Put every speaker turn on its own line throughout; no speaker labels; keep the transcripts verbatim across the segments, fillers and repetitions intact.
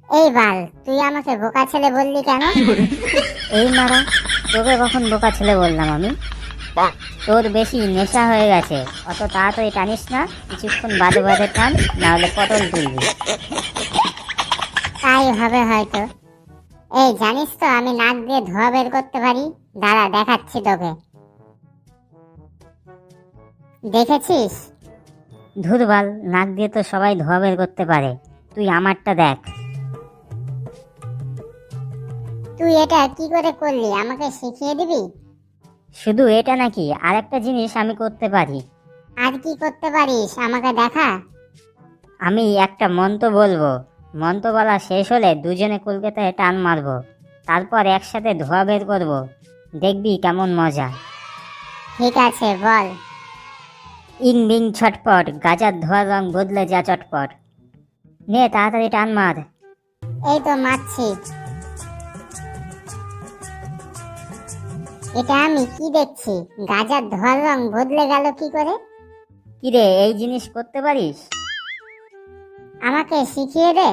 এই বাল, তুই আমাকে বোকা ছেলে বললি কেন?
এই মারা, তোকে কখন বোকা ছেলে বললাম আমি? তোর বেশি নেশা হয়ে গেছে, অত তাড়াতাড়ি টানিস না, কিছুক্ষণ বাদে বাদে টান, না হলে পটল তুলবি।
তাই হবে হয়তো। এই জানিস তো আমি নাক দিয়ে ধোঁয়া বের করতে পারি। দাঁড়া, দেখাচ্ছি তোকে। দেখেছিস?
ধুরবাল, নাক দিয়ে তো সবাই ধোয়া বের করতে পারে, তুই আমারটা দেখ।
তুই এটা কি করে করলি, আমাকে শিখিয়ে দিবি?
শুধু এটা নাকি, আরেকটা জিনিস আমি করতে পারি।
আর কি করতে পারিস, আমাকে দেখা।
আমি একটা মন্ত্র বলবো, মন্ত্র বলা শেষ হলে দুজনে কলকাতায় টান মারবো, তারপর একসাথে ধোয়া বের করবো, দেখবি কেমন মজা।
ঠিক আছে, বল।
ইং বিং ছটপট, গাজার ধোয়ার রং বদলে যা চটপট। নে তাড়াতাড়ি টান মার।
এই তো মারছি। এটা আমি কি দেখছি, গাজার ধোয়ার রং বদলে গেল কি করে?
কিরে, এই জিনিস করতে পারিস?
আমাকে শিখিয়ে দে।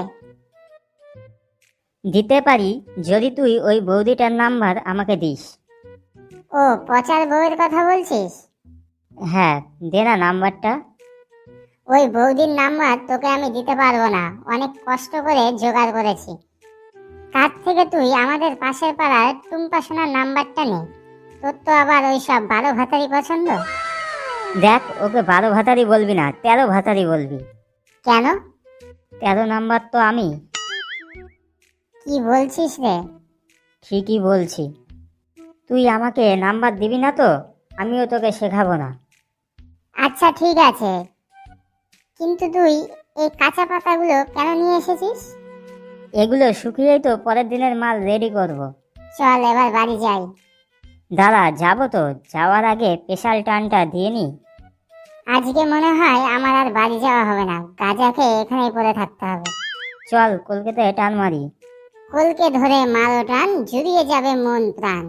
দিতে পারি, যদি তুই ওই বৌদিটার নাম্বার আমাকে দিস।
ও, পচার বউয়ের কথা বলছিস?
হ্যাঁ, দে না নাম্বারটা।
ওই বৌদির নাম্বার তোকে আমি দিতে পারবো না, অনেক কষ্ট করে জোগাড় করেছি। তার থেকে তুই আমাদের পাশের পাড়ার টুম্পা সোনার নাম্বারটা নে। তোর তো আবার ওই সব বারো ভাতারি পছন্দ।
দেখ, ওকে বারো ভাতারি বলবি না, তেরো ভাতারি বলবি।
কেন?
তেরো নাম্বার তো আমি।
কি বলছিস রে?
ঠিকই বলছি। তুই আমাকে নাম্বার দিবি না তো আমিও তোকে শেখাবো না।
আচ্ছা ঠিক আছে, কিন্তু তুই এই কাঁচা পাতাগুলো কেন নিয়ে এসেছিস?
এগুলো শুকিয়েই তো পরের দিনের মাল রেডি করব।
চল এবার বাড়ি যাই।
দাদা, যাবো তো, যাওয়ার আগে স্পেশাল টানটা দিয়ে নি।
আজকে মনে হয় আমার আর বাড়ি যাওয়া হবে না, গাঁজা খেয়ে এখানেই পড়ে থাকতে হবে।
চল কলকাতায় টান মারি।
কলকে ধরে মারো টান, জুড়িয়ে যাবে মন প্রাণ।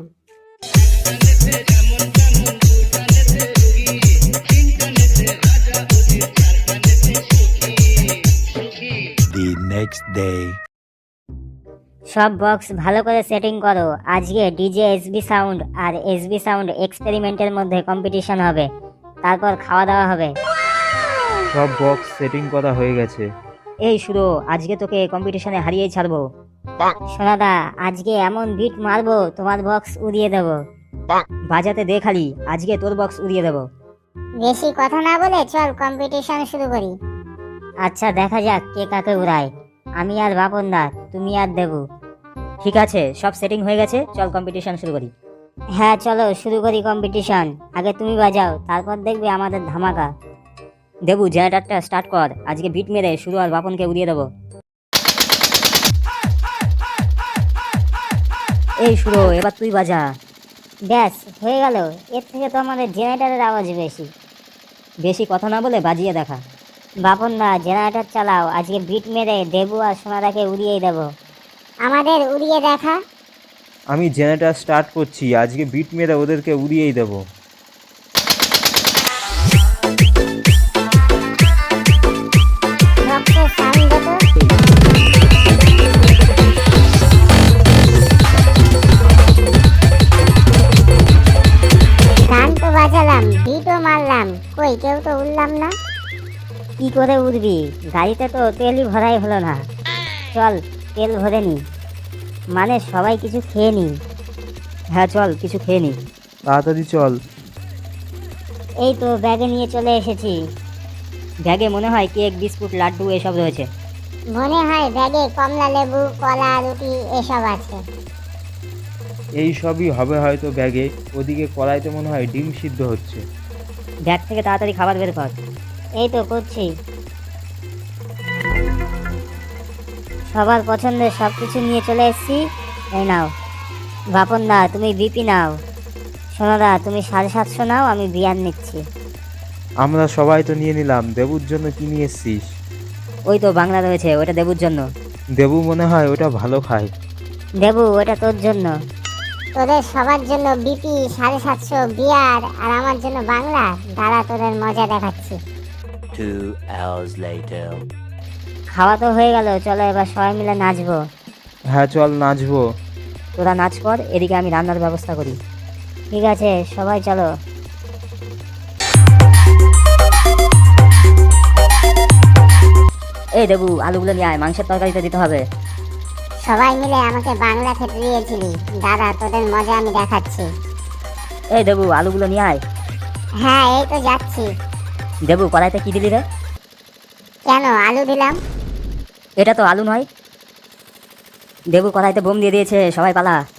The next day.
সব বক্স ভালো করে সেটিং করো, আজকে ডিজে এসবি সাউন্ড আর এসবি সাউন্ড এক্সপেরিমেন্টের মধ্যে কম্পিটিশন হবে, তারপর খাওয়া দাওয়া হবে।
সব বক্স সেটিং করা হয়ে গেছে।
এই শুরু, আজকে তোকে কম্পিটিশনে হারিয়েই ছাড়বো। সোনাদা, আজকে এমন বিট মারবো তোমার বক্স উড়িয়ে দেবো। বাজাতে দে খালি, আজকে তোর বক্স উড়িয়ে দেবো।
বেশি কথা না বলে চল কম্পিটিশন শুরু করি।
আচ্ছা, দেখা যাক কে কাকে উড়ায়, আমি আর বাপন দা, তুমি আর দেবু। ঠিক আছে, সব সেটিং হয়ে গেছে, চল কম্পিটিশন শুরু করি। হ্যাঁ চলো শুরু করি কম্পিটিশন। আগে তুমি বাজাও, তারপর দেখবে আমাদের ধামাকা। দেবু, জেনারেটরটা স্টার্ট কর, আজকে বিট মেরে শুরু আর বাপনকে উড়িয়ে দেবো। এই শুরু, এবার তুই বাজা। ব্যাস হয়ে গেল, এর থেকে তো আমাদের জেনারেটরের আওয়াজ বেশি। বেশি কথা না বলে বাজিয়ে দেখা। বাপন দা, জেনারেটর চালাও, আজকে বিট মেরে দেবু আর সোনাদাকে উড়িয়েই দেবো।
আমাদের উড়িয়ে দেখা।
আমি জেনারেটর স্টার্ট করছি, আজকে বিট মেরে ওদেরকে উড়িয়েই দেবো।
রক্তের সাউন্ড তো। গান তো বাজালাম, বিটও মারলাম, কই কেউ তো উঠলাম না।
কি করে উঠবি, গাড়িতে তো তেলই ভরাই হলো না। চল তেল ভরে নি, মানে সবাই কিছু খেয়ে নি।
হ্যাঁ চল, কিছু খেয়ে নি, তাড়াতাড়ি চল।
এই তো ব্যাগে নিয়ে চলে এসেছি। ব্যাগে মনে হয় কেক, বিস্কুট, লাড্ডু এসব রয়েছে।
মনে হয় ব্যাগে কমলা লেবু, কলা, রুটি এসব আছে।
এই সবই হবে হয়তো ব্যাগে। ওদিকে কড়াইতে মনে হয় ডিম সিদ্ধ হচ্ছে।
ব্যাগ থেকে তাড়াতাড়ি খাবার বের কর। এই তো করছি। সবার পছন্দের সব কিছু নিয়ে চলে এসেছি, এই নাও। বাপন দা, তুমি বিপি নাও। সোনাদা, তুমি সাড়ে সাতশো নাও, আমি বিয়ার নিচ্ছি।
আমরা সবাই তো নিয়ে নিলাম, দেবুর জন্য কি নিয়ে এসছিস?
ওই তো বাংলা রয়েছে, ওটা দেবুর জন্য।
দেবু মনে হয় ওটা ভালো খায়।
দেবু, ওটা তোর জন্য।
তোদের সবার জন্য বিপি, সাড়ে সাতশো বিয়ার, আর আমার জন্য বাংলা। দাঁড়া, তোদের মজা দেখাচ্ছি।
Two hours later.
খাওয়া তো হয়ে গেল, চলো এবার সবাই মিলে নাচবো।
হ্যাঁ চল নাচবো।
তোরা নাচ কর, এদিকে আমি রান্নার ব্যবস্থা করি। ঠিক আছে, সবাই চলো। এই দেবু, আলুগুলো নিয়ে আয়, মাংসের তরকারিতে দিতে হবে।
সবাই মিলে আমাকে বাংলা খেতে দিয়েছিলি, দাদা তোদের মজা আমি দেখাচ্ছি।
এই দেবু, আলুগুলো নিয়ে আয়।
হ্যাঁ এই তো যাচ্ছি।
দেবু, কড়াইতে কি দিলি রে?
কেন আলু দিলাম?
এটা তো আলু নয়। দেবু, কড়াইতে বোম দিয়ে দিয়েছে, সবাই পালা।